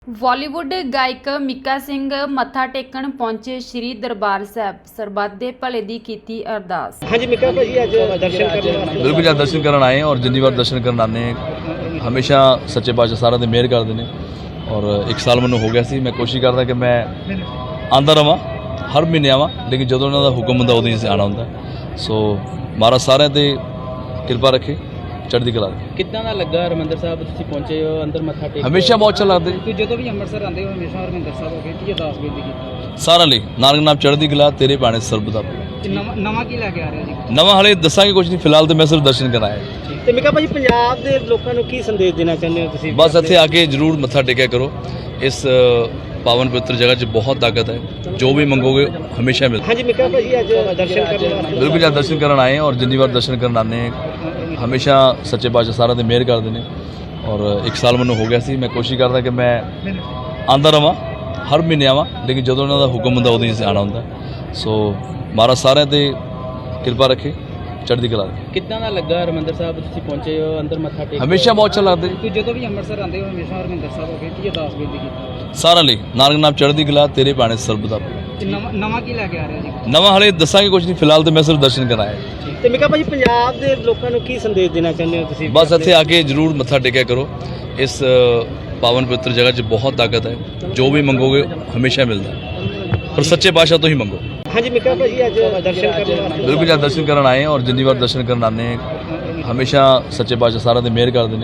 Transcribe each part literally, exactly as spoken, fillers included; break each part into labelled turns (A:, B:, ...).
A: ਬਾਲੀਵੁੱਡ ਗਾਇਕ ਮੀਕਾ ਸਿੰਘ ਮੱਥਾ ਟੇਕਣ ਪਹੁੰਚੇ ਸ਼੍ਰੀ ਦਰਬਾਰ ਸਾਹਿਬ। ਸਰਬੱਤ ਦੇ ਭਲੇ ਦੀ ਕੀਤੀ ਅਰਦਾਸ।
B: हाँ जी मिका भाजी आज दर्शन करने
C: बिल्कुल जब दर्शन करन आए हैं और जिन्नी बार दर्शन करन आने हमेशा सच्चे पातशाह सारा दिन मेहर करते हैं। और एक साल मैंने हो गया सी, मैं कोशिश करता कि मैं आंदा रवां, हर महीने आवां, लेकिन जो उन्होंने हुक्म होंदा उदों ही आना होंदा। सो महाराज सारे ते किरपा रखे, चढ़दी कला रखे।
B: कितना ना लगा हरमंदर साहब तुसीं पहुंचे हो अंदर मत्था टेक
C: हमेशा बहुत अच्छा लगता
B: कि जो भी अंमृतसर आंदे हो हमेशा हरमंदर साहब हो के अरदास बेनती की
C: सारा ਲਈ ਨਾਨਕ ਨਾਮ ਚੜ੍ਹਦੀ ਕਲਾ ਤੇਰੇ ਬਾਣੇ ਸਰਬ ਦਾ
B: ਨਵਾਂ ਨਵਾਂ ਕੀ ਲੈ ਕੇ ਆ ਰਿਹਾ ਜੀ?
C: ਨਵਾਂ ਹਲੇ ਦੱਸਾਂਗੇ ਕੁਝ ਨਹੀਂ, ਫਿਲਹਾਲ ਤੇ ਮੈਂ ਸਿਰਫ ਦਰਸ਼ਨ ਕਰਨ ਆਇਆ।
B: ਤੇ ਮਿਕਾ ਭਾਜੀ ਪੰਜਾਬ ਦੇ ਲੋਕਾਂ ਨੂੰ ਕੀ ਸੰਦੇਸ਼ ਦੇਣਾ ਚਾਹੁੰਦੇ ਹੋ ਤੁਸੀਂ?
C: ਬਸ ਇੱਥੇ ਆ ਕੇ ਜ਼ਰੂਰ ਮੱਥਾ ਟੇਕਿਆ ਕਰੋ। ਇਸ ਪਾਵਨ ਪਵਿੱਤਰ ਜਗ੍ਹਾ 'ਚ ਬਹੁਤ ਤਾਕਤ ਹੈ, ਜੋ ਵੀ ਮੰਗੋਗੇ ਹਮੇਸ਼ਾ ਮਿਲਦਾ।
B: ਹਾਂਜੀ ਮਿਕਾ ਭਾਜੀ ਅੱਜ ਦਰਸ਼ਨ ਕਰਨੇ
C: ਬਿਲਕੁਲ ਜਦ ਦਰਸ਼ਨ ਕਰਨ ਆਏ ਹਾਂ और ਜਿੰਨੀ ਵਾਰ ਦਰਸ਼ਨ ਕਰਨ ਆਉਂਦੇ ਹਮੇਸ਼ਾ ਸੱਚੇ ਪਾਤਸ਼ਾਹ ਸਾਰਾ ਦਿਨ ਮਿਹਰ ਕਰਦੇ ਨੇ। ਔਰ ਇੱਕ ਸਾਲ ਮੈਨੂੰ ਹੋ ਗਿਆ ਸੀ, ਮੈਂ ਕੋਸ਼ਿਸ਼ ਕਰਦਾ ਕਿ ਮੈਂ ਆਂਦਾ ਰਵਾਂ, ਹਰ ਮਹੀਨੇ ਆਵਾਂ, ਲੇਕਿਨ ਜਦੋਂ ਉਹਨਾਂ ਦਾ ਹੁਕਮ ਹੁੰਦਾ ਉਦੋਂ ਹੀ ਆਣਾ ਹੁੰਦਾ। ਸੋ ਮਹਾਰਾਜ ਸਾਰਿਆਂ ਤੇ ਕਿਰਪਾ ਰੱਖੇ, ਚੜ੍ਹਦੀ ਕਲਾ ਰੱਖੇ।
B: ਕਿੰਨਾ ਨਾ ਲੱਗਾ ਹਰਮੰਦਰ ਸਾਹਿਬ ਤੁਸੀਂ ਪਹੁੰਚੇ ਹੋ ਅੰਦਰ ਮੱਥਾ ਟੇਕ
C: ਹਮੇਸ਼ਾ ਬਹੁਤ ਅੱਛਾ ਲੱਗਦਾ
B: ਕਿ ਜਦੋਂ ਵੀ ਅੰਮ੍ਰਿਤਸਰ ਆਉਂਦੇ ਹੋ ਹਮੇਸ਼ਾ ਹਰਮੰਦਰ ਸਾਹਿਬ ਹੋ ਕੇ ਅਰਦਾਸ ਬੇਨਤੀ ਕੀਤੀ
C: ਸਾਰਿਆਂ ਲਈ ਨਾਨਕ ਨਾਮ ਚੜ੍ਹਦੀ ਕਲਾ ਤੇਰੇ ਬਾਣੇ ਸਰਬ ਦਾ
B: ਨਵਾਂ ਨਵਾਂ ਕੀ ਲੈ ਕੇ ਆ ਰਿਹਾ ਜੀ?
C: ਨਵਾਂ ਹਲੇ ਦੱਸਾਂਗੇ ਕੁਝ ਨਹੀਂ, ਫਿਲਹਾਲ ਤੇ ਮੈਂ ਸਿਰਫ ਦਰਸ਼ਨ ਕਰਨ ਆਇਆ।
B: ਤੇ ਮਿਕਾ ਭਾਜੀ ਪੰਜਾਬ ਦੇ ਲੋਕਾਂ ਨੂੰ ਕੀ ਸੰਦੇਸ਼ ਦੇਣਾ ਚਾਹੁੰਦੇ ਹੋ ਤੁਸੀਂ?
C: ਬਸ ਇੱਥੇ ਆ ਕੇ ਜ਼ਰੂਰ ਮੱਥਾ ਟੇਕਿਆ ਕਰੋ। ਇਸ ਪਾਵਨ ਪਵਿੱਤਰ ਜਗ੍ਹਾ 'ਚ ਬਹੁਤ ਤਾਕਤ ਹੈ, ਜੋ ਵੀ ਮੰਗੋਗੇ ਹਮੇਸ਼ਾ ਮਿਲਦਾ, ਪਰ ਸੱਚੇ ਪਾਤਸ਼ਾਹ ਤੋਂ ਹੀ ਮੰਗੋ।
B: ਹਾਂਜੀ ਮਿਕਾ ਭਾਜੀ ਅੱਜ ਦਰਸ਼ਨ ਕਰਨੇ
C: ਬਿਲਕੁਲ ਜਦ ਦਰਸ਼ਨ ਕਰਨ ਆਏ ਹਾਂ और ਜਿੰਨੀ ਵਾਰ ਦਰਸ਼ਨ ਕਰਨ ਆਉਂਦੇ ਹਮੇਸ਼ਾ ਸੱਚੇ ਪਾਤਸ਼ਾਹ ਸਾਰਾ ਦਿਨ ਮਿਹਰ ਕਰਦੇ ਨੇ।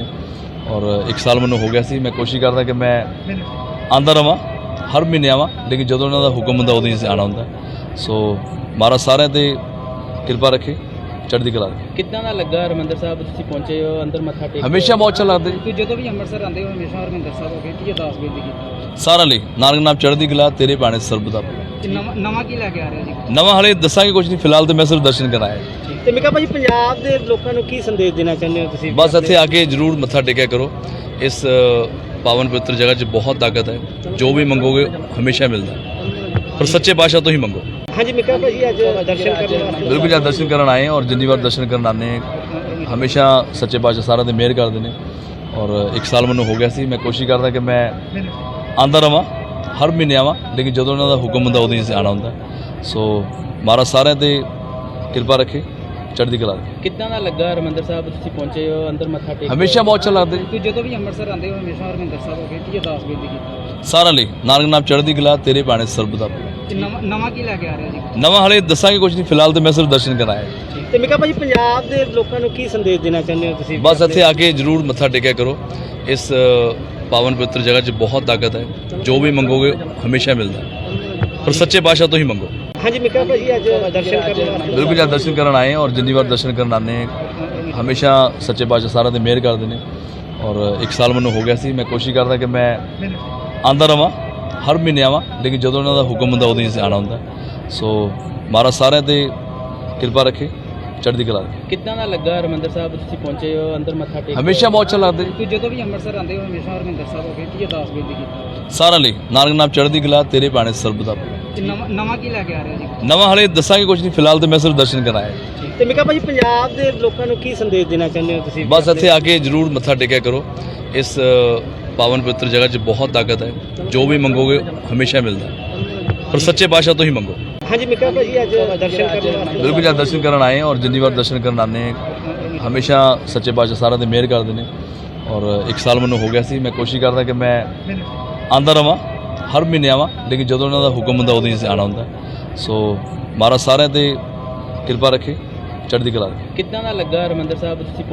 C: ਔਰ ਇੱਕ ਸਾਲ ਮੈਨੂੰ ਹੋ ਗਿਆ ਸੀ, ਮੈਂ ਕੋਸ਼ਿਸ਼ ਕਰਦਾ ਕਿ ਮੈਂ ਆਂਦਾ ਰਵਾਂ, ਹਰ ਮਹੀਨੇ ਆਵਾਂ, ਲੇਕਿਨ ਜਦੋਂ ਉਹਨਾਂ ਦਾ ਹੁਕਮ ਹੁੰਦਾ ਉਦੋਂ ਹੀ ਆਣਾ ਹੁੰਦਾ। ਸੋ ਮਹਾਰਾਜ ਸਾਰਿਆਂ ਤੇ ਕਿਰਪਾ ਰੱਖੇ, ਚੜ੍ਹਦੀ ਕਲਾ ਰੱਖੇ।
B: ਕਿੰਨਾ ਨਾ ਲੱਗਾ ਹਰਮੰਦਰ ਸਾਹਿਬ ਤੁਸੀਂ ਪਹੁੰਚੇ ਹੋ ਅੰਦਰ ਮੱਥਾ ਟੇਕ
C: ਹਮੇਸ਼ਾ ਬਹੁਤ ਅੱਛਾ ਲੱਗਦਾ
B: ਕਿ ਜਦੋਂ ਵੀ ਅੰਮ੍ਰਿਤਸਰ ਆਉਂਦੇ ਹੋ ਹਮੇਸ਼ਾ ਹਰਮੰਦਰ ਸਾਹਿਬ ਹੋ ਕੇ ਅਰਦਾਸ ਬੇਨਤੀ ਕੀਤੀ
C: ਸਾਰਿਆਂ ਲਈ ਨਾਨਕ ਨਾਮ ਚੜ੍ਹਦੀ ਕਲਾ ਤੇਰੇ ਬਾਣੇ ਸਰਬ ਦਾ
B: ਨਵਾਂ ਨਵਾਂ ਕੀ ਲੈ ਕੇ ਆ ਰਿਹਾ ਜੀ?
C: ਨਵਾਂ ਹਲੇ ਦੱਸਾਂਗੇ ਕੁਝ ਨਹੀਂ, ਫਿਲਹਾਲ ਤੇ ਮੈਂ ਸਿਰਫ ਦਰਸ਼ਨ ਕਰਨ ਆਇਆ।
B: ਤੇ ਮਿਕਾ ਭਾਜੀ ਪੰਜਾਬ ਦੇ ਲੋਕਾਂ ਨੂੰ ਕੀ ਸੰਦੇਸ਼ ਦੇਣਾ ਚਾਹੁੰਦੇ ਹੋ ਤੁਸੀਂ?
C: ਬਸ ਇੱਥੇ ਆ ਕੇ ਜ਼ਰੂਰ ਮੱਥਾ ਟੇਕਿਆ ਕਰੋ। ਇਸ ਪਾਵਨ ਪਵਿੱਤਰ ਜਗ੍ਹਾ 'ਚ ਬਹੁਤ ਤਾਕਤ ਹੈ, ਜੋ ਵੀ ਮੰਗੋਗੇ ਹਮੇਸ਼ਾ ਮਿਲਦਾ, ਪਰ ਸੱਚੇ ਪਾਤਸ਼ਾਹ ਤੋਂ ਹੀ ਮੰਗੋ।
B: ਹਾਂਜੀ ਮਿਕਾ ਭਾਜੀ ਅੱਜ ਦਰਸ਼ਨ ਕਰਨੇ
C: ਬਿਲਕੁਲ ਜਦ ਦਰਸ਼ਨ ਕਰਨ ਆਏ ਹਾਂ और ਜਿੰਨੀ ਵਾਰ ਦਰਸ਼ਨ ਕਰਨ ਆਉਂਦੇ ਹਮੇਸ਼ਾ ਸੱਚੇ ਪਾਤਸ਼ਾਹ ਸਾਰਾ ਦਿਨ ਮਿਹਰ ਕਰਦੇ ਨੇ। ਔਰ ਇੱਕ ਸਾਲ ਮੈਨੂੰ ਹੋ ਗਿਆ ਸੀ, ਮੈਂ ਕੋਸ਼ਿਸ਼ ਕਰਦਾ ਕਿ ਮੈਂ ਆਂਦਾ ਰਵਾਂ, ਹਰ ਮਹੀਨੇ ਆਵਾਂ, ਲੇਕਿਨ ਜਦੋਂ ਉਹਨਾਂ ਦਾ ਹੁਕਮ ਹੁੰਦਾ ਉਦੋਂ ਹੀ ਆਣਾ ਹੁੰਦਾ। ਸੋ ਮਹਾਰਾਜ ਸਾਰਿਆਂ ਤੇ ਕਿਰਪਾ ਰੱਖੇ, ਚੜ੍ਹਦੀ ਕਲਾ ਰੱਖੇ।
B: ਕਿੰਨਾ ਨਾ ਲੱਗਾ ਹਰਮੰਦਰ ਸਾਹਿਬ ਤੁਸੀਂ ਪਹੁੰਚੇ ਹੋ ਅੰਦਰ ਮੱਥਾ ਟੇਕ
C: ਹਮੇਸ਼ਾ ਬਹੁਤ ਅੱਛਾ ਲੱਗਦਾ
B: ਕਿ ਜਦੋਂ ਵੀ ਅੰਮ੍ਰਿਤਸਰ ਆਉਂਦੇ ਹੋ ਹਮੇਸ਼ਾ ਹਰਮੰਦਰ ਸਾਹਿਬ ਹੋ ਕੇ ਅਰਦਾਸ ਬੇਨਤੀ ਕੀਤੀ
C: ਸਾਰਿਆਂ ਲਈ ਨਾਨਕ ਨਾਮ ਚੜ੍ਹਦੀ ਕਲਾ ਤੇਰੇ ਬਾਣੇ ਸਰਬ ਦਾ
B: ਨਵਾਂ ਨਵਾਂ ਕੀ ਲੈ ਕੇ ਆ ਰਿਹਾ ਜੀ?
C: ਨਵਾਂ ਹਲੇ ਦੱਸਾਂਗੇ ਕੁਝ ਨਹੀਂ, ਫਿਲਹਾਲ ਤੇ ਮੈਂ ਸਿਰਫ ਦਰਸ਼ਨ ਕਰਨ ਆਇਆ।
B: ਤੇ ਮਿਕਾ ਭਾਜੀ ਪੰਜਾਬ ਦੇ ਲੋਕਾਂ ਨੂੰ ਕੀ ਸੰਦੇਸ਼ ਦੇਣਾ ਚਾਹੁੰਦੇ ਹੋ ਤੁਸੀਂ?
C: ਬਸ ਇੱਥੇ ਆ ਕੇ ਜ਼ਰੂਰ ਮੱਥਾ ਟੇਕਿਆ ਕਰੋ। ਇਸ ਪਾਵਨ ਪਵਿੱਤਰ ਜਗ੍ਹਾ 'ਚ ਬਹੁਤ ਤਾਕਤ ਹੈ, ਜੋ ਵੀ ਮੰਗੋਗੇ ਹਮੇਸ਼ਾ ਮਿਲਦਾ, ਪਰ ਸੱਚੇ ਪਾਤਸ਼ਾਹ ਤੋਂ ਹੀ ਮੰਗੋ।
B: ਹਾਂਜੀ ਮਿਕਾ ਭਾਜੀ ਅੱਜ ਦਰਸ਼ਨ ਕਰਨੇ
C: ਬਿਲਕੁਲ ਜਦ ਦਰਸ਼ਨ ਕਰਨ ਆਏ ਹਾਂ और ਜਿੰਨੀ ਵਾਰ ਦਰਸ਼ਨ ਕਰਨ ਆਉਂਦੇ ਹਮੇਸ਼ਾ ਸੱਚੇ ਪਾਤਸ਼ਾਹ ਸਾਰਾ ਦਿਨ ਮਿਹਰ ਕਰਦੇ ਨੇ। ਔਰ ਇੱਕ ਸਾਲ ਮੈਨੂੰ ਹੋ ਗਿਆ ਸੀ, ਮੈਂ ਕੋਸ਼ਿਸ਼ ਕਰਦਾ ਕਿ ਮੈਂ ਆਂਦਾ ਰਵਾਂ, ਹਰ ਮਹੀਨੇ ਆਵਾਂ, ਲੇਕਿਨ ਜਦੋਂ ਉਹਨਾਂ ਦਾ ਹੁਕਮ ਹੁੰਦਾ ਉਦੋਂ ਹੀ ਆਣਾ ਹੁੰਦਾ। ਸੋ ਮਹਾਰਾਜ ਸਾਰਿਆਂ ਤੇ ਕਿਰਪਾ ਰੱਖੇ, ਚੜ੍ਹਦੀ ਕਲਾ ਰੱਖੇ।
B: ਕਿੰਨਾ ਨਾ ਲੱਗਾ ਹਰਮੰਦਰ ਸਾਹਿਬ ਤੁਸੀਂ ਪਹੁੰਚੇ ਹੋ ਅੰਦਰ ਮੱਥਾ ਟੇਕ
C: ਹਮੇਸ਼ਾ ਬਹੁਤ ਅੱਛਾ ਲੱਗਦਾ
B: ਕਿ ਜਦੋਂ ਵੀ ਅੰਮ੍ਰਿਤਸਰ ਆਉਂਦੇ ਹੋ ਹਮੇਸ਼ਾ ਹਰਮੰਦਰ ਸਾਹਿਬ ਹੋ ਕੇ ਅਰਦਾਸ ਬੇਨਤੀ ਕੀਤੀ
C: ਸਾਰਿਆਂ ਲਈ ਨਾਨਕ ਨਾਮ ਚੜ੍ਹਦੀ ਕਲਾ ਤੇਰੇ ਬਾਣੇ ਸਰਬ ਦਾ
B: ਨਵਾਂ ਨਵਾਂ ਕੀ ਲੈ ਕੇ ਆ ਰਿਹਾ ਜੀ?
C: ਨਵਾਂ ਹਲੇ ਦੱਸਾਂਗੇ ਕੁਝ ਨਹੀਂ, ਫਿਲਹਾਲ ਤੇ ਮੈਂ ਸਿਰਫ ਦਰਸ਼ਨ ਕਰਨ ਆਇਆ।
B: ਤੇ ਮਿਕਾ ਭਾਜੀ ਪੰਜਾਬ ਦੇ ਲੋਕਾਂ ਨੂੰ ਕੀ ਸੰਦੇਸ਼ ਦੇਣਾ ਚਾਹੁੰਦੇ ਹੋ ਤੁਸੀਂ?
C: ਬਸ ਇੱਥੇ ਆ ਕੇ ਜ਼ਰੂਰ ਮੱਥਾ ਟੇਕਿਆ ਕਰੋ। ਇਸ ਪਾਵਨ ਪਵਿੱਤਰ ਜਗ੍ਹਾ 'ਚ ਬਹੁਤ ਤਾਕਤ ਹੈ, ਜੋ ਵੀ ਮੰਗੋਗੇ ਹਮੇਸ਼ਾ ਮਿਲਦਾ, ਪਰ ਸੱਚੇ ਪਾਤਸ਼ਾਹ ਤੋਂ ਹੀ ਮੰਗੋ।
B: ਹਾਂਜੀ ਮਿਕਾ ਭਾਜੀ ਅੱਜ ਦਰਸ਼ਨ ਕਰਨੇ
C: ਬਿਲਕੁਲ ਜਦ ਦਰਸ਼ਨ ਕਰਨ ਆਏ ਹਾਂ और ਜਿੰਨੀ ਵਾਰ ਦਰਸ਼ਨ ਕਰਨ ਆਉਂਦੇ ਹਮੇਸ਼ਾ ਸੱਚੇ ਪਾਤਸ਼ਾਹ ਸਾਰਾ ਦਿਨ ਮਿਹਰ ਕਰਦੇ ਨੇ। ਔਰ ਇੱਕ ਸਾਲ ਮੈਨੂੰ ਹੋ ਗਿਆ ਸੀ, ਮੈਂ ਕੋਸ਼ਿਸ਼ ਕਰਦਾ ਕਿ ਮੈਂ ਆਂਦਾ ਰਵਾਂ, ਹਰ ਮਹੀਨੇ ਆਵਾਂ, ਲੇਕਿਨ ਜਦੋਂ ਉਹਨਾਂ ਦਾ ਹੁਕਮ ਹੁੰਦਾ ਉਦੋਂ ਹੀ ਆਣਾ ਹੁੰਦਾ। ਸੋ ਮਹਾਰਾਜ ਸਾਰਿਆਂ ਤੇ ਕਿਰਪਾ ਰੱਖੇ, ਚੜ੍ਹਦੀ ਕਲਾ ਰੱਖੇ।
B: ਕਿੰਨਾ ਨਾ ਲੱਗਾ ਹਰਮੰਦਰ ਸਾਹਿਬ ਤੁਸੀਂ